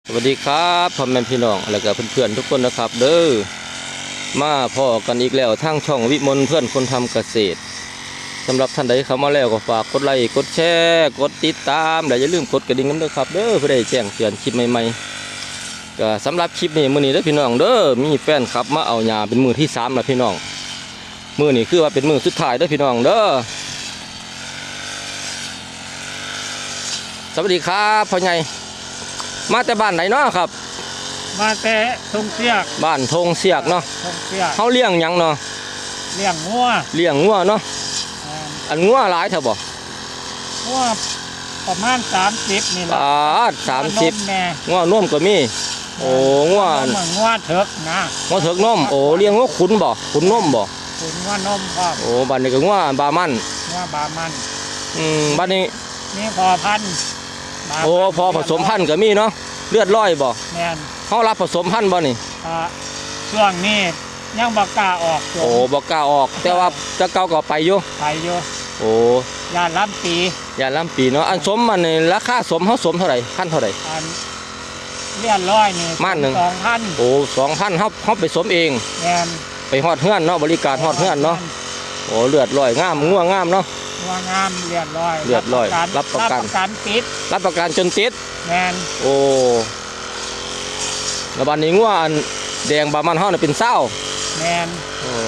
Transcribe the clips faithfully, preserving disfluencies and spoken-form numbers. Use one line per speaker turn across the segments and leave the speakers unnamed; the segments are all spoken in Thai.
สวัสดีครับพ่อแม่พี่น้องและก็เพื่อนๆทุกคนนะครับเด้อมาพ่อกันอีกแล้วทางช่องวิมลเพื่อนคนทำเกษตรสำหรับท่านใดเข้ามาแล้วก็ฝากกดไลค์กดแชร์กดติดตามและอย่าลืมกดกระดิ่งกันด้วยครับเด้อเพื่อได้แจ้งเตือนคลิปใหม่ๆก็สำหรับคลิปนี้มื้อนี้เด้อพี่น้องเด้อมีแฟนครับมาเอาหญ้าเป็นมือที่สามแล้วพี่น้องมื้อนี้คือว่าเป็นมือสุดท้ายเด้อพี่น้องเด้อสวัสดีครับพ่อใหญ่มาแต่บ้านไหนเนาะครับ
มาแต่ทงเสียก
บ้านทงเสียกเนาะ
ทงเสียก
เขาเลี้ยงหยังเนาะ
เลี้ยงงัว
เลี้ยงงัวเนาะอันงัวหลายเถอะบ่
งัวประมาณสามสิบนี่แหละ
อ่าสามสิบงัวนมก็มีโอ้งัว
งัวเถิกนะ
งัวเถิกนมโอ้เลี้ยงงัวขุนบ่ขุนนมบ่
ขุนงัวนมครับ
โอ้บ้านนี้ก็งัวบามัน
งัวบามัน
อืมบ้านนี้
นี่พอพัน
โอ้พอผสมพันธุ์ก็มีเนาะเลือดร้อยบ่
แม่น
เขารับผสมพันธุ์บ่นี่
อ่าช่วงนี้ยังบ่กล้าออก
โอ้บ่กล้าออกแต่ว่าจะเก่าก็ไปอยู่
ไปอยู่
โอ้
ยาล้ำปี
ยาล้ำปีเนาะอันสมมันนี่ราคาสมเขาสมเท่าไหร่พันเท่าไหร่
อันเลือดร้อยนี่
มันหนึ่ง
สองพัน
โอ้สองพันเขาเขาไปสมเอง
แม่น
ไปฮอดเฮือนเนาะบริการฮอดเฮือนเนาะโอ้เลือดร้อยงามงัวงามเนาะ
งัวงามเลือดร้อย
เลือดร้อยรับประกัน
ติด
รับประกันจนติด
แม่น
โอ้แล้วบ้านนี้งัวอันแดงบามันเฮาเนี่ยเป็นเศร้า
แม่น
โอ้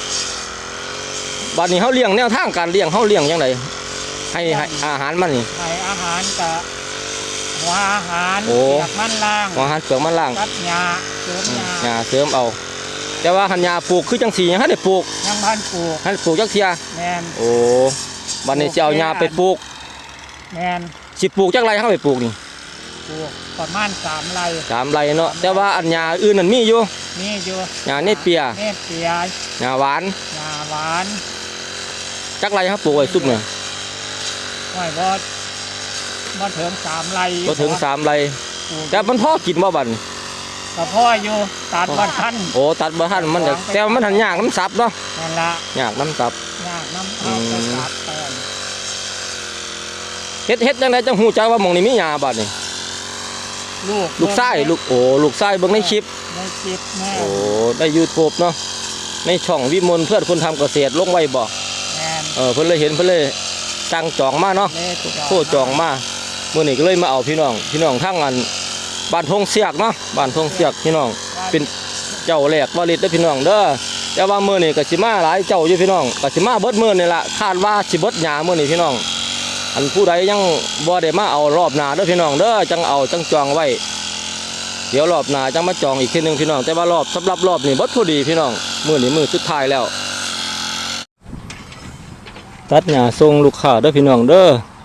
บ้านนี้เฮาเลี้ยงแนวทางการเลี้ยงเฮาเลี้ยงยังไงให้ให้อาหารมันนี่
ให้อาหารกับหัวอาหารเปลือกมันล่าง
หัวอาหารเปลือกมันล่าง
ตัดหญ้าเสริมหญ้า
หญ้าเสริมเอาแต่ว่าหันหญ้าปลูกคือจังสียังให้ได้ปลูก
ยังพันปลูก
ให้ปลูกจักเทีย
แม่น
โอ้บ้านนี้จะเอาหญ้าไปปลูก
แม่น
สิปลูกจักไรเฮาไปปลูกนี่
ปลูกประมาณสามไร่
สามไร่เนาะแต่ว่าอันหญ้าอื่นนั่นมีอยู่
มีอยู่
หญ้าเนเปีย
เนเปีย
หญ้าหวาน
หญ้าหวาน
จักไรเฮาปลูกไว้ซุ่มเนี่ย
ไว้บ่บ่ถึงสามไร่
บ่ถึงสามไร่แต่มันพอกินบ่บัด
ก็พออยู่ตัดบ่ทัน
โอ้ตัดบ่ทันมันแต่ว่ามันหันยากน้ำซับเนาะ
นั่นล่ะ
ยากน้ำซับ
ยากน้ำซับ
เฮ็ดเฮ็ดจังไดจังฮู้จักว่าหม่องนี้มีหญ้าบัดนี่
ลูก
ลูกชายลูกโอ้ลูกชายเบิ่งในคลิป
ในคลิปแม่
โอ้ได้ YouTube เนาะในช่องวิมลเพื่อนคนทำเกษตรลงไว้บ่เออเพิ่นเลยเห็นเพิ่นเลยสั่งจองมาเนาะโทรจองมามื้อนี้ก็เลยมาเอาพี่น้องพี่น้องทั้งอันบ้านทงเสียกเนาะบ้านทงเสียกพี่น้องเป็นเจ้าแรกวาริดเด้อพี่น้องเด้อแต่ว่ามื้อนี้ก็สิมาหลายเจ้าอยู่พี่น้องก็สิมาเบิดมื้อนี่ล่ะคาดว่าสิเบิดหญ้ามื้อนี้พี่น้องอันผู้ใดยังบ่ได้มาเอารอบหน้าเด้อพี่น้องเด้อจังเอาจังจองไว้เดี๋ยวรอบหน้าจังมาจองอีกทีนึงพี่น้องแต่ว่ารอบสำหรับรอบนี้เบิดพอดีพี่น้องมื้อนี้มื้อสุดท้ายแล้วตัดหญ้าส่งลูกค้าเด้อพี่น้องเด้อ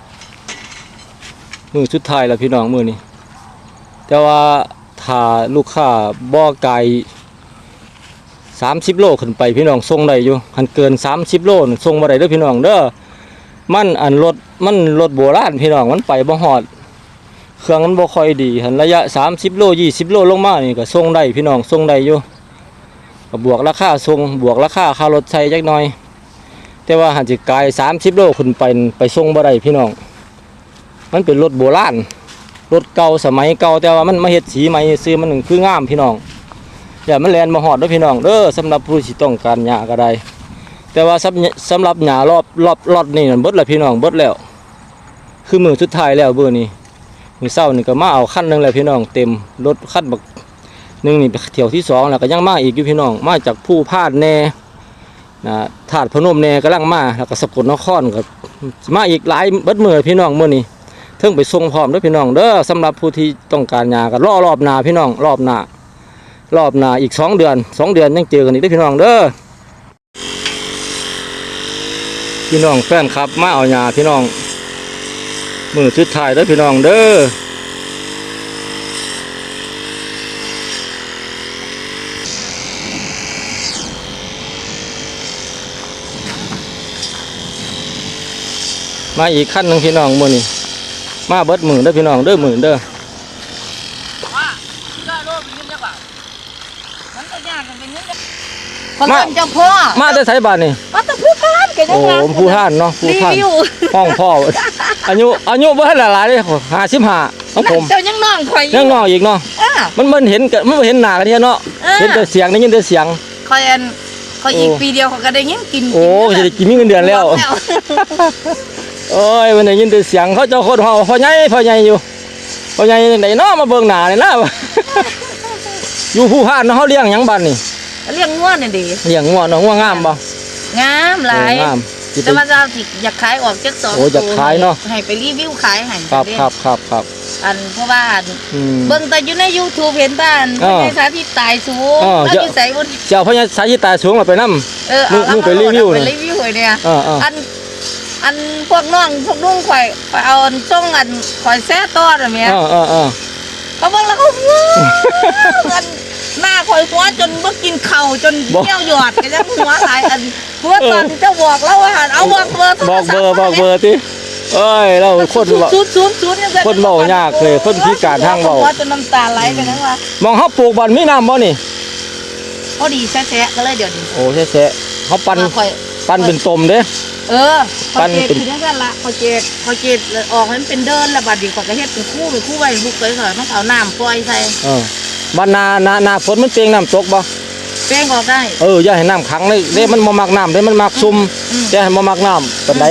มื้อสุดท้ายแล้วพี่น้องมื้อนี้แต่ว่าถ้าลูกค้าบ่ไกลสามสิบโลขึ้นไปพี่น้องส่งได้อยู่คันเกินสามสิบโลส่งบ่ได้เด้อพี่น้องเด้อมันอันรถมันรถโบราณพี่น้องมันไปบ่ฮอดเครื่องมันบ่ค่อยดีหันระยะสามสิบโลยี่สิบโลลงมานี่ก็ส่งได้พี่น้องส่งได้อยู่ก็บวกราคาส่งบวกราคาค่ารถใช้จักหน่อยแต่ว่าหันสิไกลสามสิบโลขึ้นไปไปส่งบ่ได้พี่น้องมันเป็นรถโบราณรถเก่าสมัยเก่าแต่ว่ามันมาเฮ็ดสีใหม่ซื้อมันคืองามพี่น้องอย่ามันแล่นมาฮอดเด้อพี่น้องเด้อสำหรับผู้ที่ต้องการหญ้าก็ได้แต่ว่าสำหรับหญ้ารอบรอบรอดนี่นั่นเบิดแล้วพี่น้องเบิดแล้วคือมื้อสุดท้ายแล้วเบอร์นี้มื้อเช้านี่ก็มาเอาคันนึงแล้วพี่น้องเต็มรถคันบักนึงนี่เที่ยวที่สองแล้วก็ยังมาอีกอยู่พี่น้องมาจากผู้พาดแน่นะธาตุพนมแน่กำลังมาแล้วก็สกลนครก็มาอีกหลายเบิดมื้อพี่น้องมื้อนี้เทิงไปส่งพร้อมเด้อพี่น้องเด้อสำหรับผู้ที่ต้องการหญ้าก็รอรอบหน้าพี่น้องรอบหน้ารอบหน้าอีกสองเดือนสองเดือนยังเจอกันอีกเด้อพี่น้องเด้อพี่น้องแฟนครับมาเอาหญ้าพี่น้องมื้อสุดท้ายเด้อพี่น้องเด้อมาอีกขั้นหนึ่งพี่น้องมื้อนี้มาเบิดหมื่นเด้อพี่น้องเด้อหมื่นเด้อ
ว่าได้โลมีเงินจักบาทมันก็ยากกันเป็นเงินมาจังพ่อ
มาแต่ไสบ้านนี่
มาแต่ผู้ท่านแกยัง
โอ้ผู้ท่านเนาะผู้ท่านห้องพ่ออายุอายุบ่ทันหลายเด้ห้าสิบห้าของผม
เจ้ายังน้องข่อย
ยังน้อยอีกเนาะ
อ่า
มันมันเห็นกันมันบ่เห็นหน้ากันเนี่ยเนาะ
เออ
เห็นแต่เสียงได้ยินแต่เสียง
ข่อยอันข่อยอีก
โอ้
ปีเดียวเขาก็ได้ยินกิน
โอ้จะได้กินมีเงินเดือนแล้ว
แล้ว
โอ้ยมันได้ยินแต่เสียงเขาเจ้าคนเฮาพ่อใหญ่พ่อใหญ่อยู่พ่อใหญ่จังไดเนาะมาเบิ่งหน้านี่นะ อยู่ผู้พานเนาะเฮาเลี้ยงหยังบัดนี่
เลี้ยงงัวนี่ดิ
เลี้ยงงัวเนาะงัวงามบ่
งามหลาย
เอองามสิไป
แต่ว่าเจ้าสิอยากขายออกจักสอง
โอ้อยากขายเนาะ
ให้ไปรีวิวขายให้
ครับ
เด้
ครับครับครับ
อันเพราะว่า
อืม
เบิ่งแต่อยู่ใน YouTube เห็นบ้าน
อ้อ
ในสาธิตตายสูง
อ้อ
แล้ว
เยอะ
อยู่ไสบ่
เจ้าพญาสายตาสูงแล้วไปนำ
เออ
มึ
เอา
งมึงไปรีวิว
ไป
น่ะ
รีวิวให้เนี่ย
เออเออ
อันอันพวกน้องพวกนุ่งข่อยข่อยเอาอันส่งอันข่อยแซ่ตอดอ่ะแม่
เออเออเออ
เขาเบิ่งแล้วเขาว้าวอันหน้าข่อยหัวจนบ่กินข้าวจน
บอก
เที่ยวหยอดก็ยังหัวหลายอันหัวตอนที่เจ้าบอกแล้วว่าเอาบอกเบอร์โทร
บอก
ศัพ
เบอร์
ท์
บอกเบอร์ติเอ้ยเราคนบ่
ศูนย์ศูนย์ศูนย์ยังไง
คนเว้ายากเลยคนพิการทางเว้า
หัวจนน้ำตาไหลไปนั่นว่าม
องเฮาปลูกบ่อนมีน้ำบ่นี่
พอดีแซ่ๆก็เลยเดี๋ยวนี้
โอ้แซ่ๆเฮาปั่น
มาข่อย
ปั่นเป็นต้มเด้
เออพ
ปั้
อน เจ
เป็น
คือจังซั่นละพอเจพอเจออกให้มันเป็นเดินแล้วบัดนี้ข่อยก็เฮ็ดเป็นคู่เป็นคู่ไว้ลูกเคยข่อยมันเอาน้ำปล่อยใส่
เออบ้านนานานาฝนมันเปียงน้ำตกบ่
แป้งออกได้
เอออย่าให้น้ำขังเลยเด้มันบ่มักน้ำเด้มันมักซุ่ม
อืม
แต่ให้บ่มักน้ำปานใด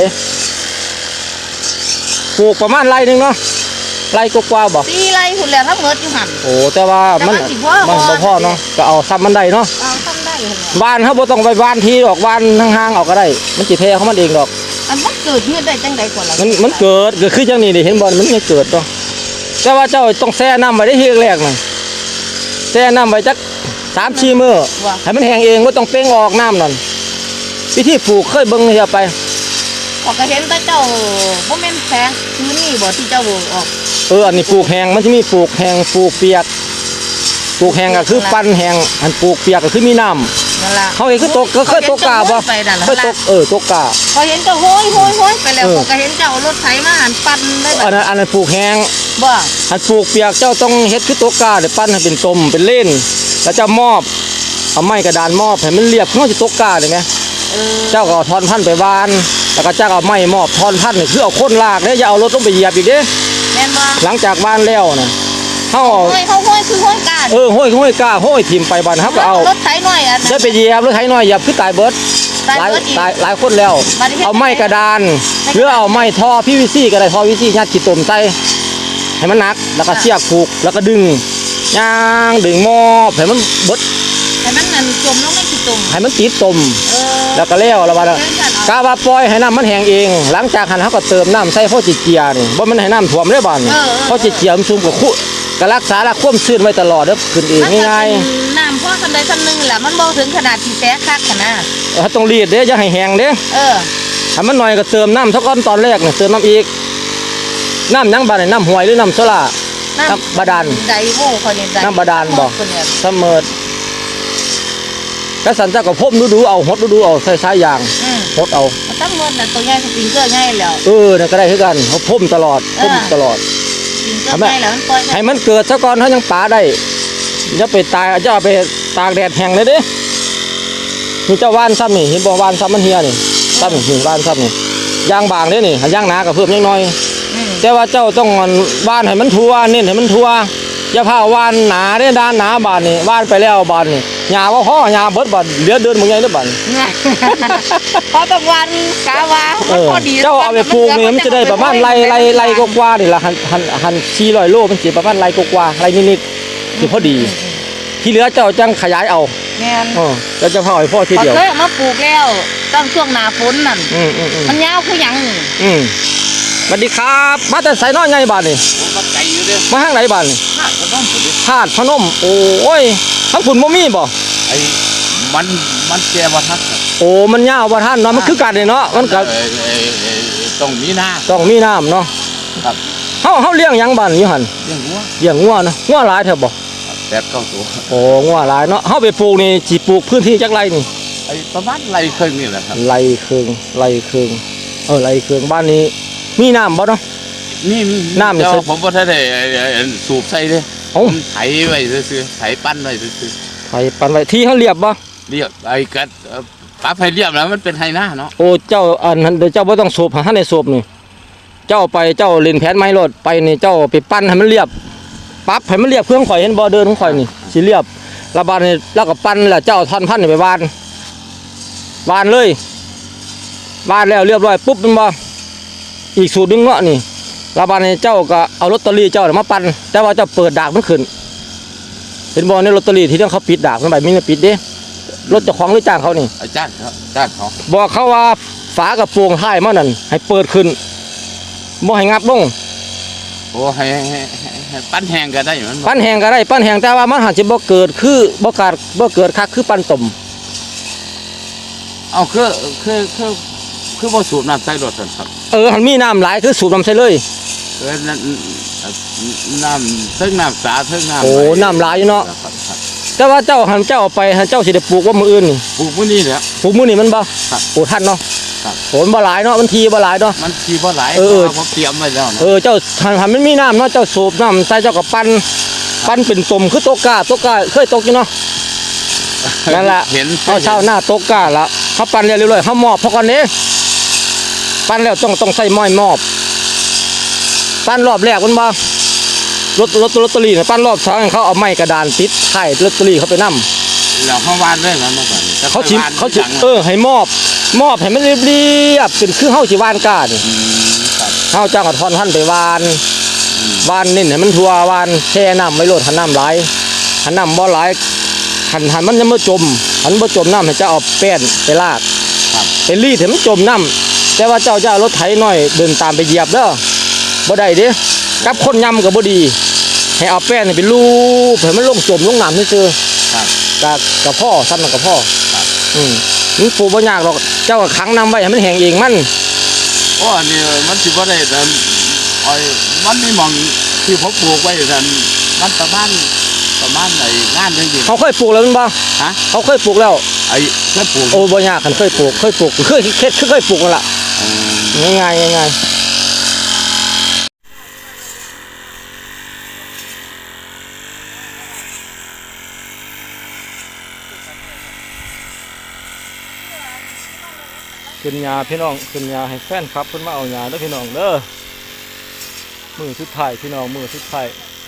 ปลูกประมาณไร่หนึงเนาะไร่กว่าๆบ่
ตีไรหุ่นแล้วทั้งหมดอยู่หั่น
โอ้แต่ว่ามัน
แต่ว่าสิพ่อ
มันบ่พอเนาะก็เอาซ้ำมันได้เนาะ
เอาทำได้หั่นแหละ
บ้านเฮาบ่ต้องไปบ้านทีดอกบ้านห่างๆเอาก็ได้ มันสิแพ้ของมันเองดอก
อันมันเกิดเฮือดได้จังใดก่อนล่ะ
มันมันเกิดเกิดคือจังนี้นี่เห็นบ่มันยังเกิดเนาะแต่ว่าเจ้าต้องแช่น้ำไว้ได้ทีแรกๆน่ะแช่น้ำไว้จักสามสี่มื้อ
ว่า
ให้มันแห้งเองบ่ต้องเป้งออกน้ำนั่นวิธีปลูกเคยเบิ่งเฮียไป
ออกก็เห็นแต่เจ้าบ่แม่นแพงคือนี่บ่ที่เจ้าออก
เอออันนี้ปลูกแห้งมันสิมีปลูกแห้งปลูกเปียกปลูกแห้งก็คือปั้นแห้งอันปลูกเปียกก็คือมีน้ำ
นั่นล่ะ
เขาเองคือตกก็เคยตกกาบ่
ไปนั่น
เคยต
ล่ะ
กเออตกกา
พอเห็นเจ้าโห้ยโห้ยโห้ยไปแล้ว
เออ
ก็เห็นเจ้ารถไถมาหันปั่นได้แบ
อัน
บ
นั้นอันนั้นปลูกแห้ง
บ่
อันปลูกเปียกเจ้าต้องเฮ็ดคือตกกาเดี๋ยวปั้นให้เป็นตมเป็นเล่นแล้วเจ้ามอบเอาไม้กระดานมอบให้มันเรียบเขาสิตกกาได้ไหม
เออ
เจ้าก็เอาทอนพันธุ์ไปวาน แล้วก็เจ้าก็เอาไม้มอบทอนพันธุ์นี่คือเอาคนลากเด้อย่าเอารถลงไปเหยียบอีกเด้
แม่นบ่
หลังจากวานแล้วน่ะเฮาเอา
โห้ยเขาโห้ยคือโห้ยกาด
เออห้อยห้อยกาห้อยทิ่มไปบ้านเฮาก็เอา
รถไถหน่อยอันนั้
จะ
น
ไปเหยียบหรือไถน้อยเหยียบคือตายเบิด
ตาย
หลาย
เบิดอีก
ตายหลายคนแล้ว
บัดนี้เฮ็ด
เอาไม้กระดาน
ไม่
หรือเอาไม้ท่อ พี วี ซี ก็ได้ท่อ พี วี ซี ยัดขี้ตมใส่ให้มันหนักแล้วก็เสียบผูกแล้วก็ดึงย่างดึงมอบให้มันเบิด
ให้มันนั่นจมลงในขี้ตุ่ม
ให้มันติดตม
เออ
แล้วก็แล้วแล้วว่า
เดินกันเอา
กาว่าปล่อยให้น้ำมันแห้งเอง หลังจากหันเขาก็เติมน้ำใส่พ่อจิเจียนี่บ่มันให้น้ำท่วมได้บ่นี่พ่อจิเจียมันซุ่มกับคุก็รักษาละความชื้นไว้ตลอดเด้อขึ้นเอง
มันก็
ง่าย
เป็นน้ำพ่อคันใดคันหนึงแหละมันบ่ถึงขนาดที่แตกคักขนาด
ๆเขาต้องรีดเด้อย่าให้แห้งเด้
เออ
ถ้ามันหน่อยก็เติมน้ำเท่าก้อนตอนแรกเนี่ยเติมน้ำอีกน้ำหยังบาดนี่น้ำห้วยหรือน้ำโซล่า น้ำบาดาล
ไดโว้เขาเนี่ยไ
น้ำบาดาลบ่
คนเนี่ย
เสมอก็สันเจ้าก็พ่มดูดูๆเอาหดดูดูๆเอาใส่สายยาง
อืม
หดเอา
มันตั้งหมดน่ะตัวใหญ่สปริงเกอร์ใหญ่แล้ว
เออเนี่ยก็ได้คือกันเขาพ่มตลอดพ่ม
เออ
ตลอด
สปริงเกอร์ใหญ่แล้วมันปล่อย
ให้มันเกิดซะก่อนเขายังปาได้อย่าไปตายอย่าไปตากแดดแห้งเลยเด้นี่เจ้าว่านซ้ำนี่เห็นบ่ว่านซ้ำมันเฮียนี่ซ้ำนี่นี่ว่านซ้ำนี่ยางบางเด้นี่หันยางหนาก็เพิ่มยังน้อย
อืม
แต่ว่าเจ้าต้องว่านให้มันทั่วเน้นให้มันทั่วอย่าพาว่านหนาเด้ด้านหนาบานนี่ว่านไปแล้วบานนี่หญ้าว่าพ่อหญ้าเบิดบานเหลือเดินมึงไงเด้อบาน
เนี่ยพอตะวันกาว่า
เอ
มัน
อ
พอดี
เจ้าเอาไปปลูกนี่มันจะได้ประมาณไรไรไรกว่าๆนี่ล่ะหันหันหันสี่ร้อยโลมันสิประมาณไรกว่าๆไรนิดๆสิพอดี ที่เหลือเจ้าจังขยายเอา
แม่น
เออแล้วจะพาให้พ่อที
พอ
เดียว
เคยเอามาปลูกแล้วต้องช่วงหน้าฝนนั่น
อืมอืมอืม
มันยาวคือหยังนี่
อืมสวัสดีครับมาแต่ไสน้อยใหญ่บ้านนี่
ผมมาไกลอยู่เด้อ
มาทางไหนบ้านนี่
ข้าก็ต้องสุด
ธาตุพนมโอ้ยทั้งฝุ่นบ่มีบ่
ไอ้มันมันแก่บ่ทันครับ
โอ้มันยาวบ่ท่านเนาะมันคือกันนี่เนาะมันก็
เอ่อเอ่อเอ่อต้องมีหน้า
ต้องมีน้ำเนาะ
ครับ
เฮาเฮาเลี้ยงหยังบ้านอยู่หั่น
เรื่องวัว
เลี้ยงงัวเนาะงัวหลายแท้บ่
แปดเก้าตัว
โอ้งัวหลายเนาะเฮาไปปลูกนี่สิปลูกพื้นที่จักไรนี่
ไอ้ประมาณไรครึ่งนี่แหละครับ
ไรเครืองไรเครืองเออไรเครืองบ้านนี้มีน้ำบ่เนาะ
นี่มี
น้ำนี่
เดี๋ยว
สิ
ผมบ่ทันได้เอ่อเอ่อสูบใส่เด้
เอ้า
ผมไถไว้ซื่อๆไถปั้นไว้ซื่อ
ไผปันไว้ที่เฮาเรียบบ่
ๆเรียบไอ้กัดเอ่อปรับให้เรียบแล้วมันเป็นไฮหน้าเนาะ
โอ้เจ้าอันนั้นเดี๋ยวเจ้าบ่ต้องสูบหาในสูบนี่เจ้าไปเจ้าเล่นแผนไม้รถไปนี่เจ้าไปปั้นให้มันเรียบปั๊บให้มันเรียบเครื่องข่อยเห็นบ่เดินของข่อยนี่สิเรียบระบาดนี่แล้วก็ปั้นแล้วเจ้าท่อนพันนี่ไปวานวานเลยวานแล้วเรียบร้อยปุ๊บมันบ่อีกสูตรหนึงเนาะนี่ระบาดนี่เจ้าก็เอาลอตเตอรี่เจ้ามาปั้นแต่ว่าเจ้าเปิดดากมันขึ้นเห็นบ่ในลอตเตอรี่ที่เขาปิดดากมันไปมีปิดเด้รถเจ้าของหรือจ้างเขานี่
อาจารย์เขาอาจารย์เขา
บอกเขาว่าฝากระโปรงท้ายมันนั่นให้เปิดขึ้นบ่ให้งับลง
โอ้ให้ให้ให้ให้ปั้นแห้งก็ได้มันบ่
ปั้นแหงก็ได้ปั้นแหงแต่ว่ามันหันสิบ่เกิดคือบ่กาดบ่เกิดคักคือปั้นต้ม
เอาคือคือคือคือบ่สูบน้ำใส่รถซั่นครับ
เออหันมีน้ำหลายคือสูบน้ำใส่เลย
เออนั่นน้ำเทิงน้ำสาเทิงน้ำ
โอ้น้ำหลายอยู่เนาะ
ครับครับ
แต่ว่าเจ้าหันเจ้าเอาไปหันเจ้าสิได้ปลูกว่ามื้ออื่นนี่
ปลูกมื้อนี้แหละ
ปลูกมื้อนี้มันบ่
ครับ
โอ้ทันเนาะ
ครับ
โอ้มันบ่หลายเนาะมันทีบ่หลายเนาะ
มันสิบ่หลาย
เออ
พราะว่าผมเตรียมไว้แล้วนะ
เออเจ้าหันหันมันมีน้ำเนาะเจ้าสูบน้ำใส่เจ้าก็ปั้นปั้นเป็นต้มคือโตกาโตกาเคยตกอยู่เนาะ นั่นแหละ
เห็น
เอาเช้าหน้าโตกาละเขาปั้นเรียบร้อยเขามอบเพราะก่อนนี้ปั้นแล้วต้องต้องใส่หม้อยมอบปั้นรอบแรกมันบ่รถรถลอตเตอรี่เนี่ยปั้นรอบสองเขาเอาไม้กระดานติดไข่ลอตเตอรี่เขาไปนํ
แล้วเฮาวานไว้แล้วมาก่อนแต่
เขาชิ
วาน
เขาชิ
จัง
เออให้มอบมอบให้มันเรียบเรียบเป็นคือเฮาสิวานกานี่
อืมครับ
เฮาจ้างเอาทอนท่านไปวาน
อืม
วานนี่ให้มันทั่ววานแช่น้ำไว้โลดหันน้ำหลายหันน้ำบ่หลายหันหันมันจะบ่จมหันบ่จมน้ำให้เจ้าเอาแป้นไปลาก
ครับ
เป็นรีดให้มันจมน้ำแต่ว่าเจ้าจะเอารถไถน้อยเดินตามไปเหยียบเด้อบ่ได้เด้กับคนยำก็บ่ดีให้เอาแป้นนี่ไปลูบให้มันลงจมลงน้ำซื่อ
ครับ
ๆกับกับพ่อซ้ำกับพ่อ
ครับ
อืมมันปลูกบ่ยากหรอกเจ้าก็ขังน้ำไว้ให้มันแห้งเองมัน
โอ้อันนี้มันสิบ่ได้แต่อ้อยมันมีหม่องที่ผมปลูกไว้ซั่นมันประมาณประมาณไอ้งานจังซี่
เขาเคยปลูกแล้วแมันบ่
ฮะ
เขาเคยปลูกแล้ว
ไอ้นั่นปลูก
โอ้บ่ยากคันเคยปลูกเคยปลูกเคยเคยเคยปลูกนั่นล่ะ
อืม
ง่ายๆง่ายๆขึ้นยาพี่น้องขึ้นยาให้แฟนครับเพิ่นมาเอายาเด้อพี่น้องเด้อมือสุดท้ายพี่น้องมือสุดท้าย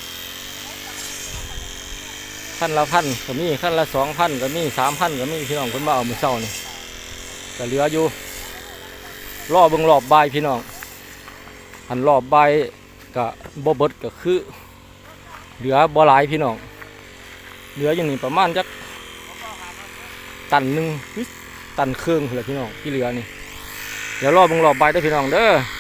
ขั้นละพันก็มีขั้นละสองพันก็มีสามพันก็มีพี่น้องเพิ่นมาเอามื้อเช้านี่ก็เหลืออยู่รอเบิ่งรอบบ่ายพี่น้องอันรอบบ่ายก็บ่เบิดก็คือเหลือบ่หลายพี่น้องเหลืออยู่นี่ประมาณจักตันหนึงหรือตันครึ่งแหละพี่น้องที่เหลือนี่เดี๋ยวรอเบิ่งรอบบ่ายเด้อพี่น้องเด้อ